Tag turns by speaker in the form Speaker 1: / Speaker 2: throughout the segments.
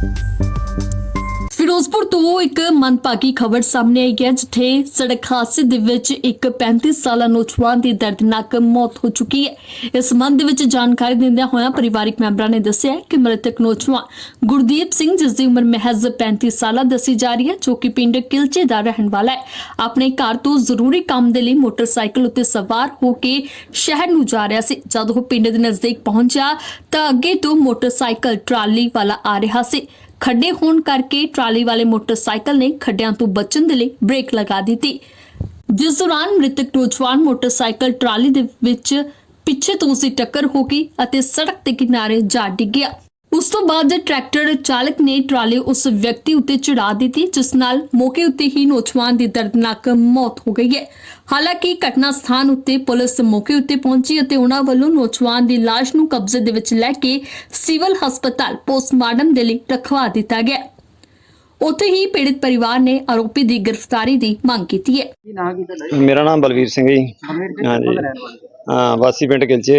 Speaker 1: ਫਿਰੋਜ਼ਪੁਰ ਤੋਂ ਇੱਕ ਮੰਦਭਾਗੀ ਖਬਰ ਸਾਹਮਣੇ ਆਈ ਹੈ, ਜਿੱਥੇ ਸੜਕ ਹਾਦਸੇ ਦੇ ਵਿੱਚ ਇੱਕ 35 ਸਾਲਾ ਨੌਜਵਾਨ ਦੀ ਦਰਦਨਾਕ ਮੌਤ ਹੋ ਚੁੱਕੀ ਹੈ। ਇਸ ਸੰਬੰਧ ਵਿੱਚ ਜਾਣਕਾਰੀ ਦਿੰਦਿਆਂ ਹੋਇਆਂ ਪਰਿਵਾਰਕ ਮੈਂਬਰਾਂ ਨੇ ਦੱਸਿਆ ਕਿ ਮ੍ਰਿਤਕ ਨੌਜਵਾਨ ਗੁਰਦੀਪ ਸਿੰਘ, ਜਿਸ ਦੀ ਉਮਰ ਮਹਿਜ਼ 35 ਸਾਲਾ ਦੱਸੀ ਜਾ ਰਹੀ ਹੈ, ਜੋ ਕਿ ਪਿੰਡ ਕਿਲਚੇ ਦਾ ਰਹਿਣ ਵਾਲਾ ਹੈ, ਆਪਣੇ ਘਰ ਤੋਂ ਜ਼ਰੂਰੀ ਕੰਮ ਦੇ ਲਈ ਮੋਟਰਸਾਈਕਲ ਉੱਤੇ ਸਵਾਰ ਹੋ ਕੇ ਸ਼ਹਿਰ ਨੂੰ ਜਾ ਰਿਹਾ ਸੀ। ਜਦ ਉਹ ਪਿੰਡ ਦੇ ਨਜ਼ਦੀਕ ਪਹੁੰਚਿਆ ਤਾਂ ਅੱਗੇ ਤੋਂ ਮੋਟਰਸਾਈਕਲ ਟਰਾਲੀ ਵਾਲਾ ਆ ਰਿਹਾ ਸੀ। ਖੱਡੇ ਹੋਣ ਕਰਕੇ ਟਰਾਲੀ ਵਾਲੇ ਮੋਟਰਸਾਈਕਲ ਨੇ ਖੱਡਿਆਂ ਤੋਂ ਬਚਣ ਦੇ ਲਈ ਬ੍ਰੇਕ ਲਗਾ ਦਿੱਤੀ, ਜਿਸ ਦੌਰਾਨ ਮ੍ਰਿਤਕ ਨੌਜਵਾਨ ਮੋਟਰਸਾਈਕਲ ਟਰਾਲੀ ਦੇ ਵਿੱਚ ਪਿੱਛੇ ਤੋਂ ਉਸੇ ਟੱਕਰ ਹੋ ਗਈ ਅਤੇ ਸੜਕ ਦੇ ਕਿਨਾਰੇ ਜਾ ਡਿੱਗਿਆ। ਉਸ ਤੋਂ ਬਾਅਦ ਟਰੈਕਟਰ ਚਾਲਕ ਨੇ ਟਰਾਲੀ ਉਸ ਵਿਅਕਤੀ ਉੱਤੇ ਚੜਾ ਦਿੱਤੀ, ਜਿਸ ਨਾਲ ਮੌਕੇ ਉੱਤੇ ਹੀ ਨੌਜਵਾਨ ਦੀ ਦਰਦਨਾਕ ਮੌਤ ਹੋ ਗਈ ਹੈ। ਹਾਲਾਂਕਿ ਘਟਨਾ ਸਥਾਨ ਉੱਤੇ ਪੁਲਿਸ ਮੌਕੇ ਉੱਤੇ ਪਹੁੰਚੀ ਅਤੇ ਉਹਨਾਂ ਵੱਲੋਂ ਨੌਜਵਾਨ ਦੀ ਲਾਸ਼ ਨੂੰ ਕਬਜ਼ੇ ਦੇ ਵਿੱਚ ਲੈ ਕੇ ਸਿਵਲ ਹਸਪਤਾਲ ਪੋਸਟਮਾਰਟਮ ਦੇ ਲਈ ਰਖਵਾ ਦਿੱਤਾ ਗਿਆ। ਉੱਥੇ ਹੀ ਪੀੜਿਤ ਪਰਿਵਾਰ ਨੇ ਆਰੋਪੀ ਦੀ ਗ੍ਰਿਫਤਾਰੀ ਦੀ ਮੰਗ ਕੀਤੀ ਹੈ।
Speaker 2: ਮੇਰਾ ਨਾਮ ਬਲਵੀਰ ਸਿੰਘ ਜੀ। ਹਾਂਜੀ ਹਾਂ, ਵਾਸੀ ਪਿੰਡ ਕਿਲਚੇ।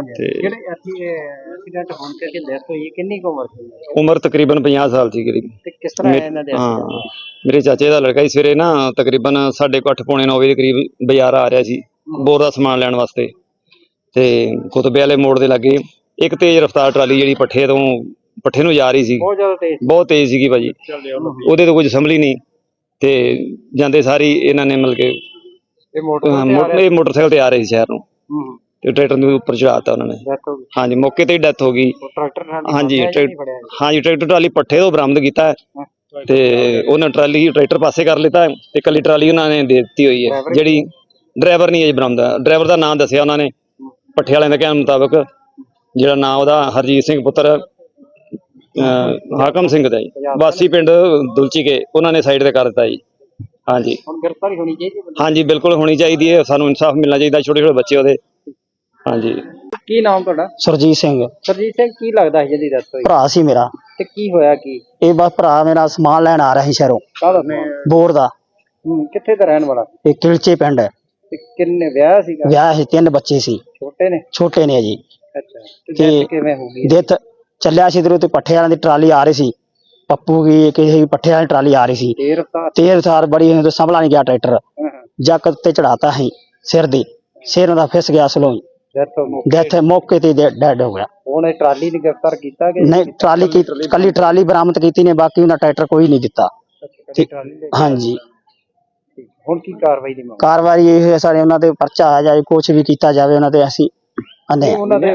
Speaker 2: ਉਮਰ ਤਕਰੀਬਨ 50 ਸਾਲ ਸੀ ਕਰੀਬ।
Speaker 3: ਕਿਸ ਤਰ੍ਹਾਂ ਇਹਨਾਂ ਦੇ
Speaker 2: ਮੇਰੇ ਚਾਚੇ ਦਾ ਲੜਕਾ ਸੀ। ਸਵੇਰੇ ਨਾ ਤਕਰੀਬਨ 8:30 ਪੌਣੇ 9 ਵਜੇ ਦੇ ਕਰੀਬ ਬਾਜ਼ਾਰ ਆ ਰਿਹਾ ਸੀ ਬੋਰ ਦਾ ਸਮਾਨ ਲੈਣ ਵਾਸਤੇ, ਤੇ ਕੁਤਬੇ ਵਾਲੇ ਮੋੜ ਦੇ ਲਾਗੇ ਇੱਕ ਤੇਜ਼ ਰਫ਼ਤਾਰ ਟਰਾਲੀ ਜਿਹੜੀ ਪੱਠੇ ਨੂੰ ਜਾ ਰਹੀ ਸੀ, ਬਹੁਤ ਤੇਜ਼ ਸੀਗੀ ਭਾਜੀ। ਉਹਦੇ ਤੋਂ ਕੁਝ ਸੰਭਲੀ ਨਹੀਂ ਤੇ ਜਾਂਦੇ ਸਾਰੀ ਇਹਨਾਂ ਨੇ ਮਤਲਬ ਕਿ ਇਹ ਮੋਟਰਸਾਈਕਲ ਤੇ ਆ ਰਹੇ ਸੀ ਸ਼ਹਿਰ ਨੂੰ, ਤੇ ਟਰੈਕਟਰ ਦੇ ਉੱਪਰ ਚੜਾਤਾ ਉਹਨਾਂ ਨੇ। ਹਾਂਜੀ, ਮੌਕੇ ਤੇ ਹੀ ਡੈਥ ਹੋ ਗਈ। ਹਾਂਜੀ, ਟਰੈਕਟਰ ਟਰਾਲੀ ਪੱਠੇ ਤੋਂ ਬਰਾਮਦ ਕੀਤਾ ਤੇ ਉਹਨਾਂ ਟਰੈਕਟਰ ਪਾਸੇ ਕਰ ਲਿੱਤਾ ਤੇ ਕੱਲੀ ਟਰਾਲੀ ਉਹਨਾਂ ਨੇ ਦੇ ਦਿੱਤੀ ਹੋਈ ਹੈ। ਜਿਹੜੀ ਡਰਾਈਵਰ ਨਹੀਂ ਅਜੇ ਬਰਾਮਦ, ਡਰਾਈਵਰ ਦਾ ਨਾਮ ਦੱਸਿਆ ਉਹਨਾਂ ਨੇ ਪੱਠੇ ਵਾਲਿਆਂ ਦੇ ਕਹਿਣ ਮੁਤਾਬਕ, ਜਿਹੜਾ ਨਾਂ ਉਹਦਾ ਹਰਜੀਤ ਸਿੰਘ ਪੁੱਤਰ ਹਾਕਮ ਸਿੰਘ ਦਾ ਜੀ, ਵਾਸੀ ਪਿੰਡ ਦੁਲਚੀ ਕੇ, ਉਹਨਾਂ ਨੇ ਸਾਈਡ ਤੇ ਕਰ ਦਿੱਤਾ ਜੀ। ਹਾਂਜੀ,
Speaker 3: ਗ੍ਰਿਫਤਾਰੀ ਹੋਣੀ ਚਾਹੀਦੀ ਹੈ।
Speaker 2: ਹਾਂਜੀ ਬਿਲਕੁਲ ਹੋਣੀ ਚਾਹੀਦੀ ਹੈ, ਸਾਨੂੰ ਇਨਸਾਫ ਮਿਲਣਾ ਚਾਹੀਦਾ। ਛੋਟੇ ਛੋਟੇ ਬੱਚੇ ਉਹਦੇ। ਹਾਂਜੀ।
Speaker 3: ਕੀ ਨਾਮ ਤੁਹਾਡਾ?
Speaker 4: ਸਰਜੀਤ ਸਿੰਘ।
Speaker 3: ਸਰਜੀਤ ਸਿੰਘ, ਕੀ ਲੱਗਦਾ ਸੀ ਜਿਹਦੀ ਡੈਥ ਹੋਈ?
Speaker 4: ਭਰਾ ਸੀ ਮੇਰਾ।
Speaker 3: ਤੇ ਕੀ ਹੋਇਆ ਕੀ?
Speaker 4: ਇਹ ਬਸ ਭਰਾ ਮੇਰਾ ਸਮਾਨ ਲੈਣ ਆ ਰਿਹਾ ਸੀ ਸ਼ਹਿਰੋਂ, ਬੋਰ ਦਾ।
Speaker 3: ਕਿੱਥੇ ਦਾ ਰਹਿਣ ਵਾਲਾ?
Speaker 4: ਇਹ ਕਿਲਚੇ ਪਿੰਡ ਹੈ।
Speaker 3: ਤੇ ਕਿੰਨੇ ਵਿਆਹ ਸੀਗਾ?
Speaker 4: ਵਿਆਹ ਸੀ, 3 ਬੱਚੇ ਸੀ। ਛੋਟੇ ਨੇ ਜੀ।
Speaker 3: ਅੱਛਾ, ਤੇ ਕਿਵੇਂ ਹੋ ਗਈ?
Speaker 4: ਡੈਥ ਚੱਲਿਆ ਸੀ ਇਧਰੋਂ ਤੇ ਪੱਠੇ ਵਾਲਿਆਂ ਦੀ ਟਰਾਲੀ ਆ ਰਹੀ ਸੀ, ਪੱਪੂ ਕੀ ਕਿਸੇ ਪੱਠੇ ਵਾਲੀ ਟਰਾਲੀ ਆ ਰਹੀ ਸੀ, ਤੇਜ਼ ਰਫ਼ਤਾਰ ਬੜੀ, ਸੰਭਲਾ ਨਹੀਂ ਗਿਆ ਟਰੈਕਟਰ, ਜੱਕ ਤੇ ਚੜਾਤਾ ਸੀ ਸਿਰ ਦਾ ਫਿਸ ਗਿਆ ਸਲੋਂ, ਡੈਥ ਮੌਕੇ ਤੇ ਡੈਡ ਹੋ ਗਿਆ।
Speaker 3: ਹੁਣ ਟਰਾਲੀ ਨੂੰ ਗ੍ਰਿਫਤਾਰ ਕੀਤਾ ਗਿਆ?
Speaker 4: ਨਹੀਂ, ਕੱਲੀ ਟਰਾਲੀ ਬਰਾਮਦ ਕੀਤੀ ਨੇ, ਬਾਕੀ ਉਹਨਾਂ ਟਰੈਕਟਰ ਕੋਈ ਨਹੀਂ ਦਿੱਤਾ। ਹਾਂਜੀ।
Speaker 3: ਹੁਣ ਕੀ ਕਾਰਵਾਈ ਦੀ ਮੰਗ?
Speaker 4: ਕਾਰਵਾਈ ਇਹ ਹੈ ਸਾਰੇ ਉਹਨਾਂ ਤੇ ਪਰਚਾ ਆ ਜਾਏ, ਕੁਛ ਵੀ ਕੀਤਾ ਜਾਵੇ ਉਹਨਾਂ ਤੇ। ਅਸੀਂ ਹਾਂਜੀ,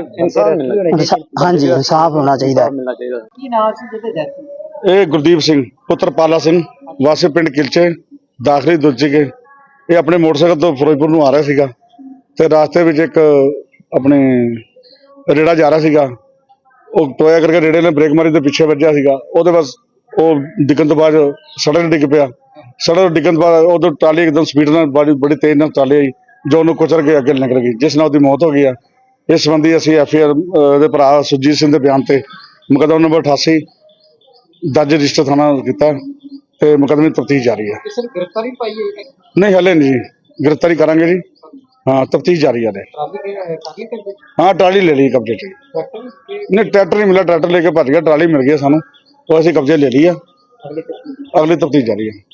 Speaker 4: ਇਨਸਾਫ ਹੋਣਾ ਚਾਹੀਦਾ।
Speaker 3: ਕੀ ਨਾਮ ਸੀ ਜਿਹਦੇ ਡੈਥ?
Speaker 5: ਇਹ ਗੁਰਦੀਪ ਸਿੰਘ ਪੁੱਤਰ ਪਾਲਾ ਸਿੰਘ, ਵਾਸੀ ਪਿੰਡ ਕਿਲਚੇ, ਦਾਖਲੀ ਦੁਲਚੀ ਕੇ। ਇਹ ਆਪਣੇ ਮੋਟਰਸਾਈਕਲ ਤੋਂ ਫਿਰੋਜ਼ਪੁਰ ਨੂੰ ਆ ਰਿਹਾ ਸੀਗਾ ਤੇ ਰਾਸਤੇ ਵਿੱਚ ਇੱਕ ਆਪਣੇ ਰੇੜਾ ਜਾ ਰਿਹਾ ਸੀਗਾ, ਉਹ ਟੋਇਆ ਕਰਕੇ ਰੇੜੇ ਨੇ ਬ੍ਰੇਕ ਮਾਰੀ ਤੇ ਪਿੱਛੇ ਵੱਜਿਆ ਸੀਗਾ। ਉਹਦੇ ਬਸ ਉਹ ਡਿੱਗਣ ਤੋਂ ਬਾਅਦ ਸੜਕ ਡਿੱਗ ਪਿਆ। ਸੜਕ ਡਿੱਗਣ ਤੋਂ ਬਾਅਦ ਉਦੋਂ ਟਰਾਲੀ ਇੱਕਦਮ ਸਪੀਡ ਨਾਲ ਬੜੀ ਤੇਜ਼ ਨਾਲ ਟਰਾਲੀ ਆਈ, ਜੋ ਉਹਨੂੰ ਕੁਚਲ ਕੇ ਅੱਗੇ ਨਿਕਲ ਗਈ, ਜਿਸ ਨਾਲ ਉਹਦੀ ਮੌਤ ਹੋ ਗਈ ਆ। ਇਸ ਸੰਬੰਧੀ ਅਸੀਂ FIR ਦੇ ਭਰਾ ਸੁਰਜੀਤ ਸਿੰਘ ਦੇ ਬਿਆਨ ਤੇ ਮੁਕੱਦਮਾ ਨੰਬਰ 88 ਦਰਜ ਰਜਿਸਟਰ ਥਾਣਾ ਕੀਤਾ ਤੇ ਮੁਕੱਦਮੇ ਦੀ ਤਫਤੀਸ਼ ਜਾਰੀ ਹੈ।
Speaker 3: ਕਿਸੇ ਨੇ ਗ੍ਰਿਫਤਾਰੀ ਪਾਈ ਹੈ?
Speaker 5: ਨਹੀਂ, ਹਲੇ ਨਹੀਂ ਜੀ, ਗ੍ਰਿਫਤਾਰੀ ਕਰਾਂਗੇ ਜੀ। ਹਾਂ, ਤਫਤੀਸ਼ ਜਾਰੀ ਹੈ। ਹਾਂ, ਟਰਾਲੀ ਲੈ ਲਈ ਕਬਜ਼ੇ 'ਚ। ਨਹੀਂ, ਟਰੈਕਟਰ ਨਹੀਂ ਮਿਲਿਆ, ਟਰੈਕਟਰ ਲੈ ਕੇ ਭੱਜ ਗਿਆ, ਟਰਾਲੀ ਮਿਲ ਗਈ ਸਾਨੂੰ, ਉਹ ਅਸੀਂ ਕਬਜ਼ੇ ਲੈ ਲਈ ਆ। ਅਗਲੀ ਤਫਤੀਸ਼ ਜਾਰੀ ਹੈ।